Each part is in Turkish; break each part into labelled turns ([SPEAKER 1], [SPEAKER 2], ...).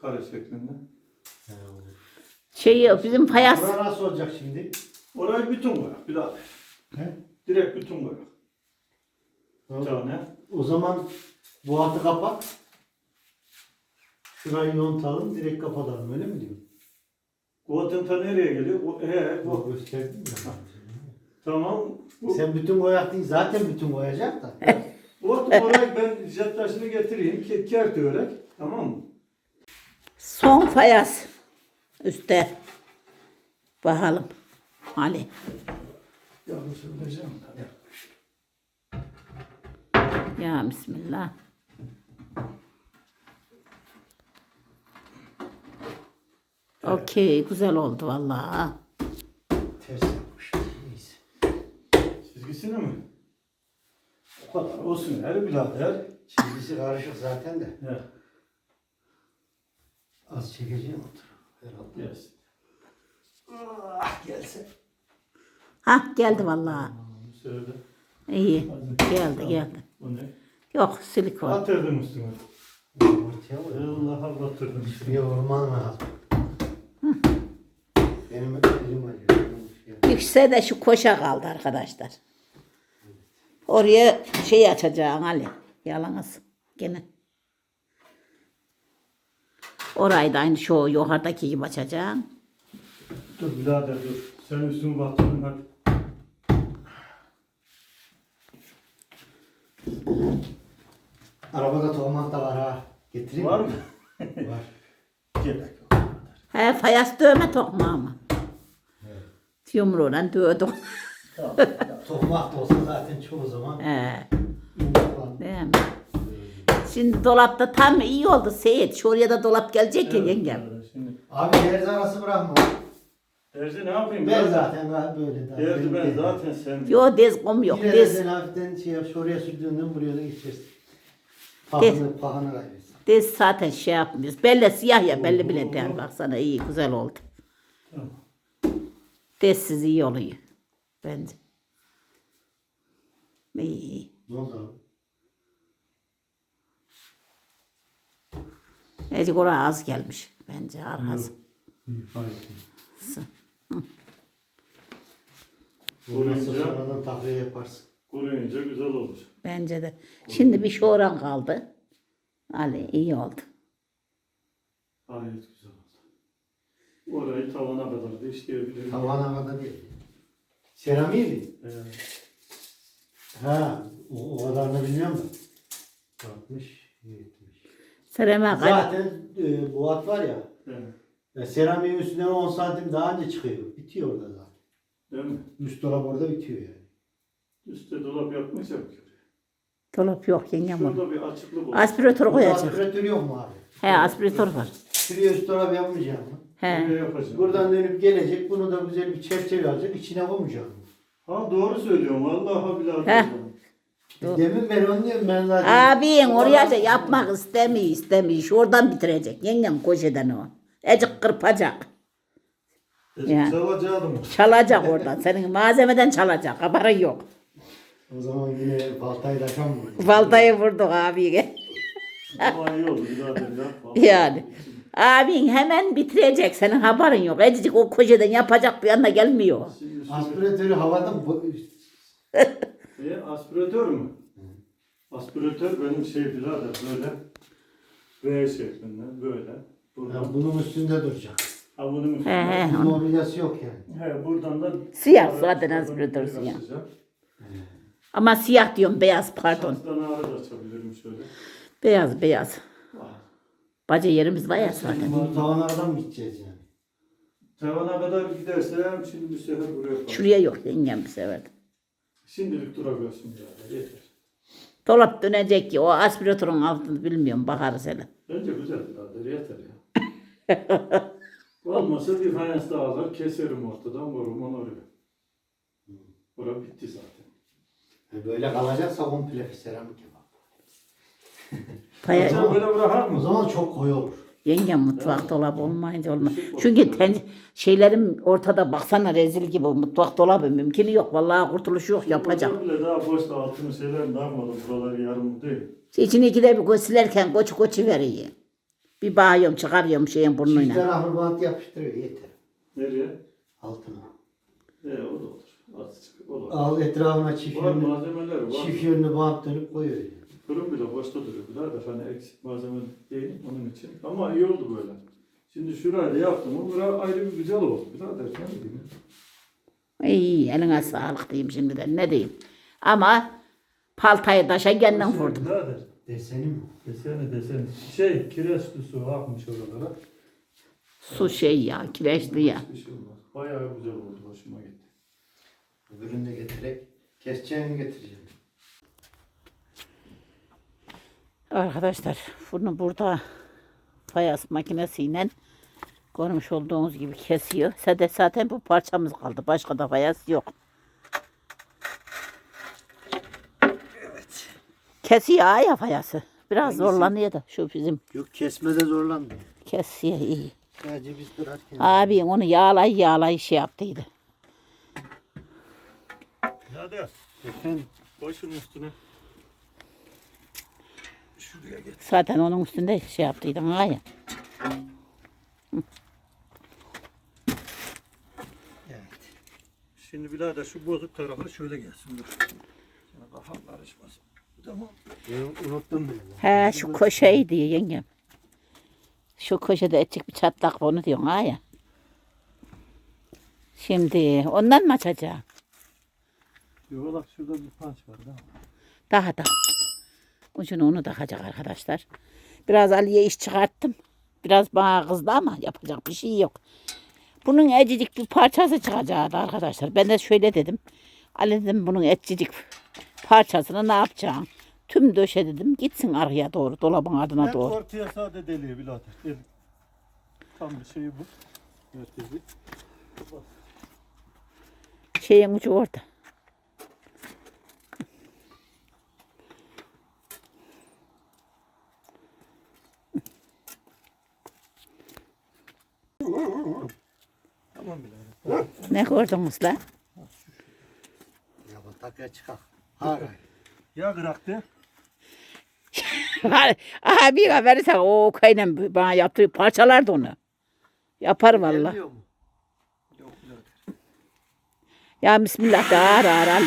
[SPEAKER 1] Kare şeklinde.
[SPEAKER 2] Bizim fayans.
[SPEAKER 3] Bura nasıl olacak şimdi?
[SPEAKER 1] Orayı bütün koyak birader.
[SPEAKER 3] He?
[SPEAKER 1] Direkt bütün koyak. Bir
[SPEAKER 3] Tamam.
[SPEAKER 1] tane.
[SPEAKER 3] O zaman bu altı kapak. Şurayı yontalım, direkt kapatalım, öyle mi diyor?
[SPEAKER 1] Kuvatenta nereye geliyor?
[SPEAKER 3] Bu gösterdim ya.
[SPEAKER 1] Tamam.
[SPEAKER 3] Sen bütün boyak değil, zaten bütün boyayacak da.
[SPEAKER 1] Orayı ben jet taşını getireyim. Kert örek. Tamam mı?
[SPEAKER 2] Son fayans. Üste. Bakalım. Ali.
[SPEAKER 1] Yanlış söyleyeceğim.
[SPEAKER 2] Ya bismillah. Okey, güzel oldu vallahi.
[SPEAKER 3] Ters yapmış. Neyse.
[SPEAKER 1] Çizgisini mi? O kadar olsun her birader.
[SPEAKER 3] Çizgisi karışık zaten de.
[SPEAKER 1] He.
[SPEAKER 3] Az çekeceğim otur. Herhalde.
[SPEAKER 1] Yes.
[SPEAKER 3] Gelse.
[SPEAKER 2] Hah geldi vallahi.
[SPEAKER 1] Şöyle.
[SPEAKER 2] İyi.
[SPEAKER 1] Hadi.
[SPEAKER 2] Geldi
[SPEAKER 1] Tamam.
[SPEAKER 2] geldi.
[SPEAKER 1] Bu ne?
[SPEAKER 2] Yok silikon.
[SPEAKER 1] Batırdım üstüne.
[SPEAKER 3] Ortaya vur.
[SPEAKER 1] Allah'a batırdım.
[SPEAKER 3] Şuraya vurman lazım. Benim elim acıyor.
[SPEAKER 2] Yükse de şu koşa kaldı arkadaşlar. Oraya şey açacaksın Ali. Yalanız. Gene. Orayı da aynı şu yukarıdaki gibi açacaksın.
[SPEAKER 1] Dur birader dur. Sen üstümü batırdın hadi.
[SPEAKER 3] Arabada tohum da var ha. Getireyim
[SPEAKER 1] Var mı?
[SPEAKER 3] Var.
[SPEAKER 1] Gerek yok.
[SPEAKER 2] He fayans dövme tokmağı mı?
[SPEAKER 3] Evet.
[SPEAKER 2] Yumruğuyla dövdüm.
[SPEAKER 1] Tamam.
[SPEAKER 3] Tohmak da olsa zaten çoğu zaman
[SPEAKER 2] He.
[SPEAKER 3] yumurtlan.
[SPEAKER 2] Değil mi? Şimdi dolapta tam iyi oldu Seyit. Şuraya da dolap gelecek ya
[SPEAKER 1] Evet,
[SPEAKER 2] yengem.
[SPEAKER 1] birader, şimdi
[SPEAKER 3] Abi derzi arası bırakma.
[SPEAKER 1] Terzi ne yapayım?
[SPEAKER 3] Ben
[SPEAKER 1] birader?
[SPEAKER 3] zaten böyle daha.
[SPEAKER 1] Derdi ben zaten sen.
[SPEAKER 2] Yo dez kom yok.
[SPEAKER 3] Yine
[SPEAKER 2] Dez,
[SPEAKER 3] sen hafiften şey yap, şuraya sürdüğünden buraya da geçersin.
[SPEAKER 2] Des.
[SPEAKER 3] Pahını kaybetsin.
[SPEAKER 2] dez zaten şey yapmıyoruz. Belli siyah ya belli bile değil. Baksana iyi güzel oldu.
[SPEAKER 1] Tamam.
[SPEAKER 2] Dezsiz iyi oluyor. Bence. İyi.
[SPEAKER 3] Ne oldu abi?
[SPEAKER 2] Ecik oraya az gelmiş. Bence arkası.
[SPEAKER 1] İyi, hayır.
[SPEAKER 3] Bu nasıl
[SPEAKER 1] Kuruyunca,
[SPEAKER 3] sonradan takviye yaparsın.
[SPEAKER 1] kuruyunca güzel olur.
[SPEAKER 2] Bence de. Şimdi bir şu oran kaldı. Ali iyi oldu.
[SPEAKER 1] Gayet güzel oldu. Orayı tavana kadar da işleyebilirim.
[SPEAKER 3] Tavana kadar değil. Seramiği mi? Ha, o kadarını bilmiyorum da. 60, 70.
[SPEAKER 2] Sereme kay.
[SPEAKER 3] Zaten bu at var ya,
[SPEAKER 1] Evet.
[SPEAKER 3] seramiğin üstüne 10 santim daha önce çıkıyor. Bitiyor orada zaten.
[SPEAKER 1] Değil mi?
[SPEAKER 3] Üst dolap orada bitiyor yani.
[SPEAKER 1] Üstte dolap yapmayacak ki.
[SPEAKER 2] Dolap yok yengem onu.
[SPEAKER 1] Şurada bir açıklık olur.
[SPEAKER 2] Aspiratör
[SPEAKER 3] Burada
[SPEAKER 2] koyacak.
[SPEAKER 3] aspiratör yok mu abi?
[SPEAKER 2] He aspiratör var.
[SPEAKER 3] Şuraya üst dolap yapmayacağım mı?
[SPEAKER 1] Buraya
[SPEAKER 2] He.
[SPEAKER 1] yapacağım.
[SPEAKER 3] Buradan dönüp gelecek, bunu da güzel bir çerçeve alacak, içine koymayacağım mı?
[SPEAKER 1] Ha doğru söylüyorum. Vallahi billahi.
[SPEAKER 2] Heh.
[SPEAKER 3] Demin ben onu diyorum, ben zaten.
[SPEAKER 2] Abin oraya da yapmak istemiyor. Şuradan bitirecek. Yengem koşeden o. Ecik kırpacak. Ya.
[SPEAKER 1] Çalacaktım.
[SPEAKER 2] Çalacak oradan. Senin malzemeden çalacak. Haberin yok.
[SPEAKER 3] O zaman yine baltayı da tam vurdu.
[SPEAKER 2] Baltayı vurduk abiye.
[SPEAKER 1] Ama iyi oldu birader ya.
[SPEAKER 2] Yani. Abin hemen bitirecek. Senin haberin yok. Ecik o koşeden yapacak bir yana gelmiyor.
[SPEAKER 1] Şimdi şu
[SPEAKER 3] Aspiratörü havada
[SPEAKER 1] aspiratör mü? Aspiratör benim şey birader böyle V şeklinde böyle. Buradan.
[SPEAKER 3] ya bunun üstünde duracak.
[SPEAKER 1] Ha bunun
[SPEAKER 2] He
[SPEAKER 1] üstüne.
[SPEAKER 2] he.
[SPEAKER 3] Bir mobilyası yok yani.
[SPEAKER 1] He buradan da
[SPEAKER 2] Siyah zaten aspiratör siyah. Ama siyah diyorum beyaz pardon.
[SPEAKER 1] Saçtan ağrı da açabilirim şöyle.
[SPEAKER 2] Beyaz.
[SPEAKER 1] Ah.
[SPEAKER 2] Baca yerimiz var ya zaten.
[SPEAKER 3] Bu tavanlardan mı gideceğiz yani?
[SPEAKER 1] Tavana kadar gidersem şimdi bir sefer buraya yaparım.
[SPEAKER 2] Şuraya yok yengem bir sefer.
[SPEAKER 1] Şimdilik durabiliyorsun ya yeter.
[SPEAKER 2] Dolap dönecek ki o aspiratörün altını bilmiyorum bakarız hele.
[SPEAKER 1] Bence güzel birader yeter ya. Olmasa bir fayans daha alır keserim ortadan vururum onu oraya. Orası bitti zaten.
[SPEAKER 3] Böyle kalacaksa komple seramik yapalım.
[SPEAKER 2] Paya,
[SPEAKER 1] Hocam böyle bırakar
[SPEAKER 3] O
[SPEAKER 1] mı?
[SPEAKER 3] zaman çok koyu olur.
[SPEAKER 2] yengem mutfak dolabı olmayınca olmaz. Çünkü şeylerim ortada baksana rezil gibi mutfak dolabı mümkünü yok. Vallahi kurtuluş yok yapacak.
[SPEAKER 1] Hocam bile daha boşta altını şeyler ne yapmadım buraları yarım değil.
[SPEAKER 2] İçini ikide bir silerken koçu veriyor. Bir bağıyorum çıkarıyorum şeyin
[SPEAKER 3] Çift
[SPEAKER 2] burnuyla.
[SPEAKER 3] taraflı bant yapıştırıyor yeter.
[SPEAKER 1] Nereye?
[SPEAKER 3] Altına.
[SPEAKER 1] O da olur. Azıcık olur.
[SPEAKER 3] Al etrafına çift
[SPEAKER 1] Var
[SPEAKER 3] yönlü,
[SPEAKER 1] malzemeler var.
[SPEAKER 3] çift yönlü bant dönüp koyuyor.
[SPEAKER 1] Fırın bile boşta duruyor birader. Hani eksik malzeme değil onun için. Ama iyi oldu böyle. Şimdi şurayı da yaptım. O bura ayrı bir güzel oldu birader. Ne diyeyim?
[SPEAKER 2] İyi eline sağlık diyeyim şimdiden ne diyeyim. Ama paltayı taşa kendin vurdum.
[SPEAKER 1] Birader.
[SPEAKER 3] Deseni mi?
[SPEAKER 1] Deseni. Kireç su akmış oralara.
[SPEAKER 2] Su şey ya kireçli ya.
[SPEAKER 1] Hiçbir şey olmaz. Bayağı güzel oldu. Hoşuma gitti.
[SPEAKER 3] Öbürünü de getirerek keseceğini getireceğim.
[SPEAKER 2] Arkadaşlar bunu burada fayans makinesiyle görmüş olduğunuz gibi kesiyor. Zaten bu parçamız kaldı. Başka da fayans yok. Evet. Kesiyor ya fayansı. Biraz zorlanıyor da şu bizim
[SPEAKER 3] Yok kesmede zorlandı.
[SPEAKER 2] kesiyor iyi.
[SPEAKER 3] Sadece biz kırarken.
[SPEAKER 2] Abi onu yağlay şey yaptıydı.
[SPEAKER 1] Birader.
[SPEAKER 3] Efendim?
[SPEAKER 1] Koy şunun üstüne. Şuraya getir.
[SPEAKER 2] Zaten onun üstünde şey yaptıydın ha ya.
[SPEAKER 3] Evet.
[SPEAKER 1] Şimdi birader şu bozuk tarafı şöyle gelsin. Dur. Sana kafam karışmasın. Tamam.
[SPEAKER 3] Ben unuttum bile.
[SPEAKER 2] He şu köşeyi diyor yengem. Şu köşede etçik bir çatlak var, onu diyorsun ha ya. Şimdi ondan mı açacağım?
[SPEAKER 1] Yuvarlak şurada bir panç var değil mi?
[SPEAKER 2] Daha da. Ucunu onu takacak arkadaşlar. Biraz Ali'ye iş çıkarttım. Biraz bana kızdı ama yapacak bir şey yok. Bunun ecicik bir parçası çıkacaktı arkadaşlar. Ben de şöyle dedim. Ali dedim bunun ecicik parçasını ne yapacağım? Tüm döşe dedim gitsin arkaya doğru dolabın ardına
[SPEAKER 1] Ben
[SPEAKER 2] doğru.
[SPEAKER 1] ortaya sade deliyor birader. Del. Tam bir şey bu. Merkezi.
[SPEAKER 2] Şeyin ucu orada.
[SPEAKER 1] Tamam birader.
[SPEAKER 2] Ne gördünüz lan?
[SPEAKER 3] Ya bu takıya çıkar. Hayır.
[SPEAKER 1] Ya bıraktı.
[SPEAKER 2] Aha bir verirsen o kaynen bana yaptığı parçalardı onu. Yapar valla.
[SPEAKER 3] Gelmiyor mu?
[SPEAKER 1] Yok birader.
[SPEAKER 2] Ya bismillah da ağır ağır Ali.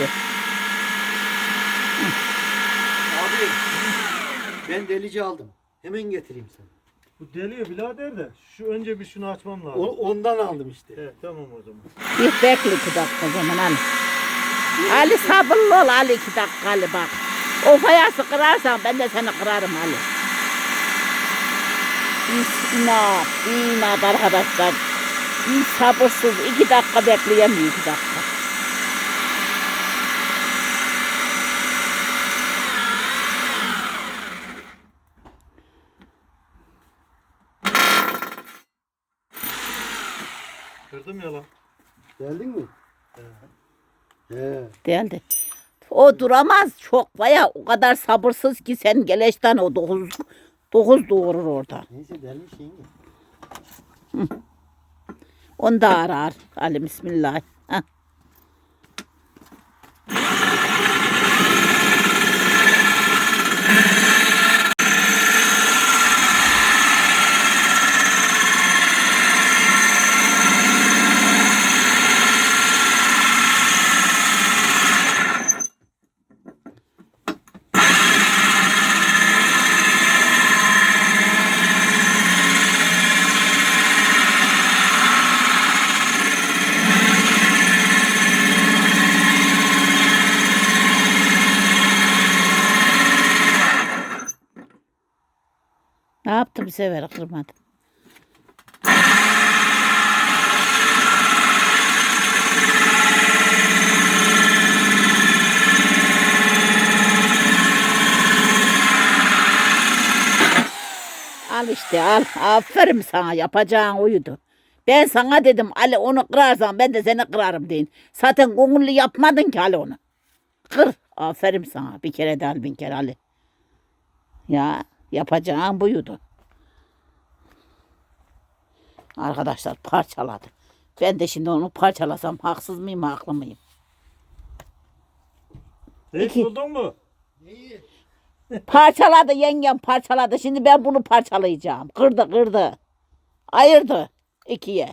[SPEAKER 3] Abi ben delici aldım. Hemen getireyim sana.
[SPEAKER 1] Bu deliyor birader de. Şu önce bir şunu açmam lazım.
[SPEAKER 3] Ondan aldım işte.
[SPEAKER 1] Evet tamam o zaman.
[SPEAKER 2] Bir bekle 2 dakika o zaman Ali. Ali sabırlı ol Ali 2 dakika Ali bak. O fayansı kırarsan ben de seni kırarım Ali. İnat arkadaşlar. Bir sabırsız 2 dakika bekleyemiyor 2 dakika.
[SPEAKER 1] Kırdım ya lan.
[SPEAKER 3] Geldin mi? He.
[SPEAKER 2] Değildi. O duramaz çok baya o kadar sabırsız ki sen geleşten o 9 doğurur orada.
[SPEAKER 3] Neyse delmiş yenge.
[SPEAKER 2] Onu da arar. Ali bismillah. Heh. Ne yaptı bir sefer kırmadı. Al işte al. Aferin sana yapacağın oydu. Ben sana dedim Ali onu kırarsan ben de seni kırarım deyin. Zaten gönüllü yapmadın ki Ali onu. Kır. Aferin sana. Bir kere de al 1000 kere Ali. Ya yapacağın buydu. Arkadaşlar parçaladı. Ben de şimdi onu parçalasam haksız mıyım haklı mıyım?
[SPEAKER 1] Hiç
[SPEAKER 2] İki.
[SPEAKER 1] buldun mu?
[SPEAKER 3] Neyi?
[SPEAKER 2] Parçaladı yengem parçaladı. Şimdi ben bunu parçalayacağım. Kırdı. Ayırdı ikiye.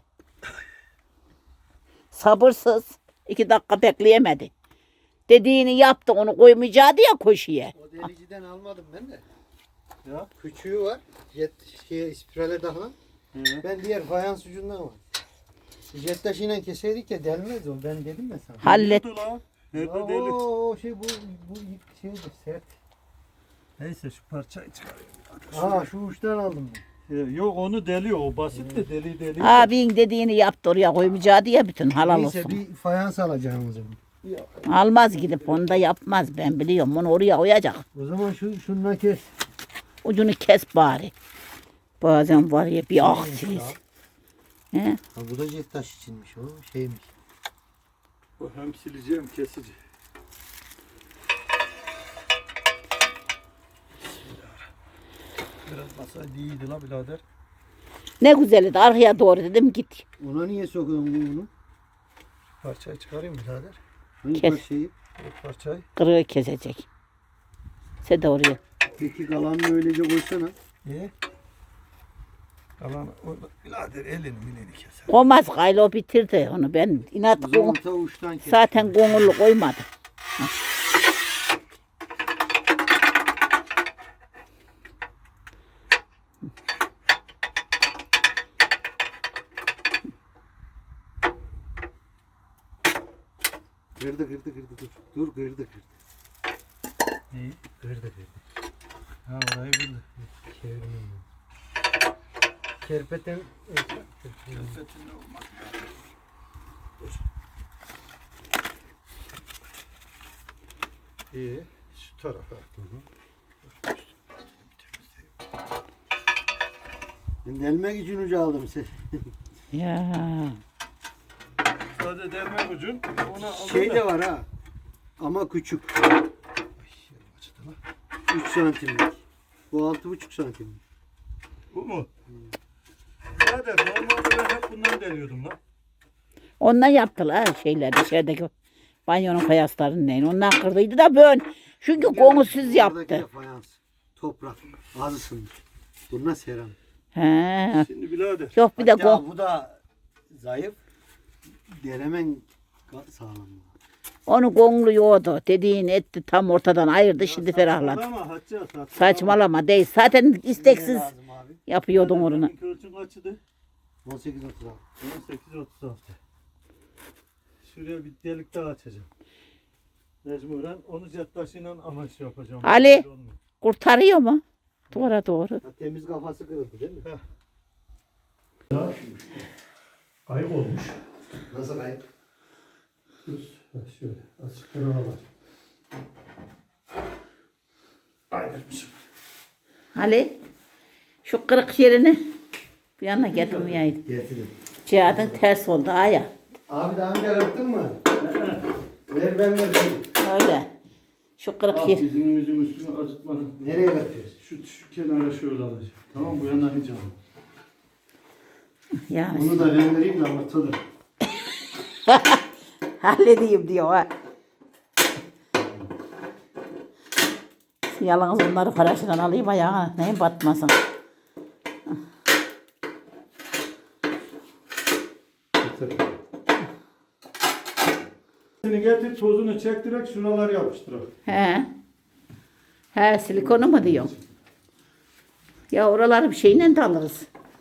[SPEAKER 2] Sabırsız. 2 dakika bekleyemedi. Dediğini yaptı, onu koymayacaktı ya koşuya.
[SPEAKER 3] O deliciden almadım ben de.
[SPEAKER 1] Ya.
[SPEAKER 3] Küçüğü var. Spirale daha. Ben diğer fayans ucundan var. Jet taşıyla keseydik ya delmez o. Ben dedim ya sana.
[SPEAKER 2] Hallet.
[SPEAKER 1] Nerede delik?
[SPEAKER 3] O şey bu şeydir sert.
[SPEAKER 1] Neyse şu parçayı çıkarayım.
[SPEAKER 3] Aa şu uçtan aldım ben.
[SPEAKER 1] Yok onu deliyor. O basit de deli.
[SPEAKER 2] Abin dediğini yaptı, oraya koymayacaktı ya bütün, halal
[SPEAKER 3] Neyse
[SPEAKER 2] olsun.
[SPEAKER 3] bir fayans alacağım o zaman.
[SPEAKER 2] Almaz, gidip onu da yapmaz, ben biliyorum, onu oraya koyacak.
[SPEAKER 3] O zaman şundan kes.
[SPEAKER 2] Ucunu kes bari. Bazen var ya bir aksiyiz. He?
[SPEAKER 3] Ha, bu da jet taş içinmiş o şeymiş.
[SPEAKER 1] Bu hem silici hem kesici. Biraz masaydı iyiydi la birader.
[SPEAKER 2] Ne güzeldi, arkaya doğru dedim git.
[SPEAKER 3] Ona niye sokuyorsun bunu?
[SPEAKER 1] Parçayı çıkarayım birader.
[SPEAKER 3] Hangi
[SPEAKER 2] Kes.
[SPEAKER 3] parçayı?
[SPEAKER 1] Bu parçayı.
[SPEAKER 2] Kırığı kesecek. Sen de oraya.
[SPEAKER 3] Peki kalanını öylece koysana.
[SPEAKER 1] Niye? Alan orada birader elini keser.
[SPEAKER 2] Olmaz, Gaylo bitirdi onu, ben inat
[SPEAKER 3] O zaman
[SPEAKER 2] gong,
[SPEAKER 3] ta uçtan kes.
[SPEAKER 2] zaten gongullu koymadı.
[SPEAKER 3] Kırdı dur. Dur kırdı.
[SPEAKER 1] İyi.
[SPEAKER 3] Kırdı.
[SPEAKER 1] Ha orayı bildi.
[SPEAKER 3] Çevirmeyeyim ben. Kerpeten
[SPEAKER 1] Köfetinde olmaz. İyi. Şu tarafa.
[SPEAKER 3] ben delmek için ucu aldım sen.
[SPEAKER 2] Ya.
[SPEAKER 1] Sadece delme ucun. Ona
[SPEAKER 3] Şey de var ha. Ama küçük. 3 santimlik. Bu 6,5 santimlik.
[SPEAKER 1] Bu mu? Birader normalde ben hep bundan deliyordum lan.
[SPEAKER 2] Ondan yaptılar şeyler dışarıdaki banyonun fayaslarının neyin. Ondan kırdıydı da böyle. Çünkü gongusuz
[SPEAKER 3] Buradaki
[SPEAKER 2] yaptı.
[SPEAKER 3] de fayans. Toprak. Az ısınmış. Bunlar seram.
[SPEAKER 2] He.
[SPEAKER 1] Şimdi birader.
[SPEAKER 2] Yok bir de
[SPEAKER 3] Hatta
[SPEAKER 2] gong.
[SPEAKER 3] bu da zayıf. Delemen sağlam.
[SPEAKER 2] Onu gonglu yoğdu. Dediğini etti, tam ortadan ayırdı, şimdi ferahladı.
[SPEAKER 1] Saçmalama Hacca
[SPEAKER 2] Saçmalama değil. Zaten isteksiz
[SPEAKER 3] Lazım abi.
[SPEAKER 2] yapıyordun onu.
[SPEAKER 1] Ölçün kaçıydı?
[SPEAKER 3] 18
[SPEAKER 1] 18-36. Şuraya bir delik daha açacağım. Mecburen onu jet taşıyla amaç yapacağım.
[SPEAKER 2] Ali.
[SPEAKER 1] Böyle olmuyor.
[SPEAKER 2] Kurtarıyor mu? Doğru.
[SPEAKER 3] Temiz kafası kırıldı değil mi?
[SPEAKER 1] Ayıp olmuş.
[SPEAKER 3] Nasıl kayıp?
[SPEAKER 1] Şöyle açık var. Ayrılmışım.
[SPEAKER 2] Ali, şu kırık yerini bir yana getirmeyeydi.
[SPEAKER 3] Getirdim.
[SPEAKER 2] Cihadın ters oldu aya.
[SPEAKER 3] Abi daha önce kırptın mı? Ver ben vereyim.
[SPEAKER 2] Öyle. Şu kırık
[SPEAKER 1] Al
[SPEAKER 2] yer.
[SPEAKER 1] dizimizin üstünü acıtmadan.
[SPEAKER 3] Nereye kırpıyorsun?
[SPEAKER 1] Şu kenara şöyle alacağım. Tamam bu yana hiç alma.
[SPEAKER 2] Yani
[SPEAKER 3] Bunu da ben vereyim de ortada.
[SPEAKER 2] halledeyim diyor ha. Yalnız bunları paraşından alayım ayağına. Neyin batmasın.
[SPEAKER 1] Seni getir tozunu çek direkt şuraları yapıştır.
[SPEAKER 2] He, silikonu mu diyorsun? Ya oraları bir şeyle de alırız.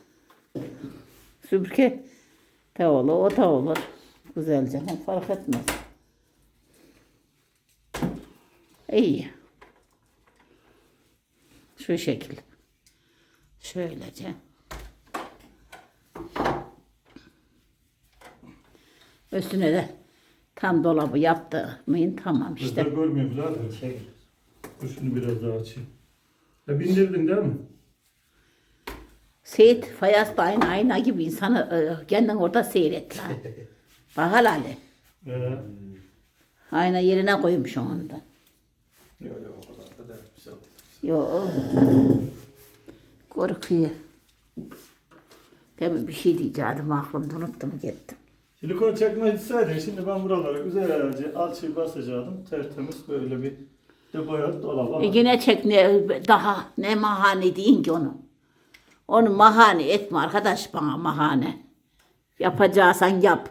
[SPEAKER 2] Süpürge de olur, o da olur. Güzelce, fark etmez. İyi. Şu şekil. Şöylece. Üstüne de tam dolabı yaptı mıyım tamam
[SPEAKER 1] İşte.
[SPEAKER 2] işte.
[SPEAKER 1] Görmüyor birader.
[SPEAKER 3] Çek.
[SPEAKER 1] Dur şunu biraz daha açayım. Bindirdin değil mi?
[SPEAKER 2] Seyit fayas da aynı ayna gibi insanı kendin orada seyret lan. Bak Ali. Ayna yerine koymuş onu da.
[SPEAKER 1] Yok o kadar da değil. Güzel.
[SPEAKER 2] Yok. Korkuyor. Demin bir şey diyeceğim aklımda unuttum gittim.
[SPEAKER 1] Silikon çekme etseydi şimdi ben buralara güzelce alçıyı basacaktım. Tertemiz böyle bir De boya dolaba.
[SPEAKER 2] Yine çek ne daha ne mahane deyin ki onu. Onu mahane etme arkadaş bana mahane. Yapacaksan yap.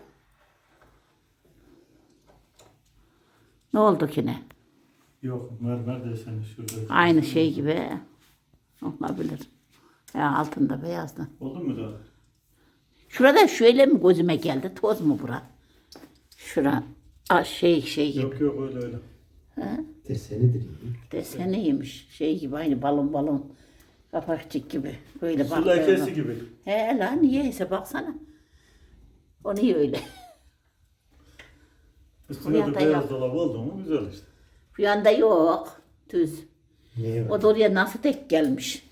[SPEAKER 2] Ne oldu ki ne?
[SPEAKER 1] Yok mermer deseni şurada.
[SPEAKER 2] Aynı şey gibi. Olabilir. Ya altında beyazdı.
[SPEAKER 1] Oldu mu daha?
[SPEAKER 2] Şurada şöyle mi gözüme geldi? Toz mu bura? Şura şey gibi.
[SPEAKER 1] Yok yok öyle.
[SPEAKER 3] Desenidir iyi.
[SPEAKER 2] Deseniymiş. Şey gibi aynı balon. Kapakçık gibi. Böyle
[SPEAKER 1] Su
[SPEAKER 2] bak.
[SPEAKER 1] lekesi gibi.
[SPEAKER 2] He lan niyeyse baksana. O niye öyle?
[SPEAKER 1] Üstüne de
[SPEAKER 2] yanda
[SPEAKER 1] beyaz
[SPEAKER 2] yok.
[SPEAKER 1] dolap oldu mu güzel işte.
[SPEAKER 2] Bu yanda yok. Düz.
[SPEAKER 3] Niye
[SPEAKER 2] O da oraya nasıl tek gelmiş?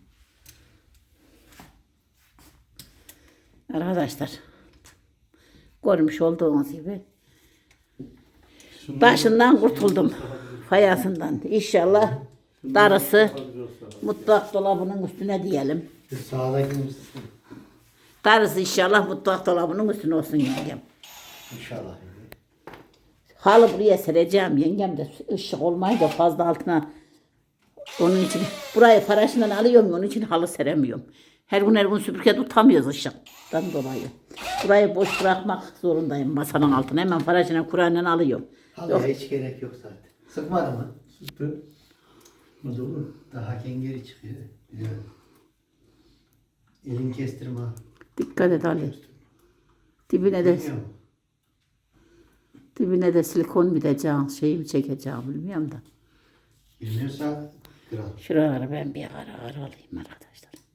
[SPEAKER 2] Arkadaşlar. Görmüş olduğunuz gibi. Başından kurtuldum. Fayasından. İnşallah darısı mutfak dolabının üstüne diyelim.
[SPEAKER 3] Şu sağdaki mısın?
[SPEAKER 2] Darısı inşallah mutfak dolabının üstüne olsun yengem.
[SPEAKER 3] İnşallah.
[SPEAKER 2] Halı buraya sereceğim yengem de ışık olmayınca fazla altına. Onun için burayı paraşından alıyorum onun için halı seremiyorum. Her gün süpürge tutamıyoruz ışıktan dolayı. Burayı boş bırakmak zorundayım masanın altına. Hemen paraşından Kur'an'dan alıyorum.
[SPEAKER 3] Halıya hiç gerek yok zaten. Sıkmadı mı?
[SPEAKER 1] Süper. Hadi olur.
[SPEAKER 3] Daha kengeri çıkıyor. Biliyorum. Elin kestirme.
[SPEAKER 2] Dikkat et Ali.
[SPEAKER 3] Bilmiyorum.
[SPEAKER 2] Dibine de silikon biteceğim, şeyi mi çekeceğim bilmiyorum da.
[SPEAKER 3] Bilmiyorsa kral.
[SPEAKER 2] Şuraları ben bir ara alayım arkadaşlar.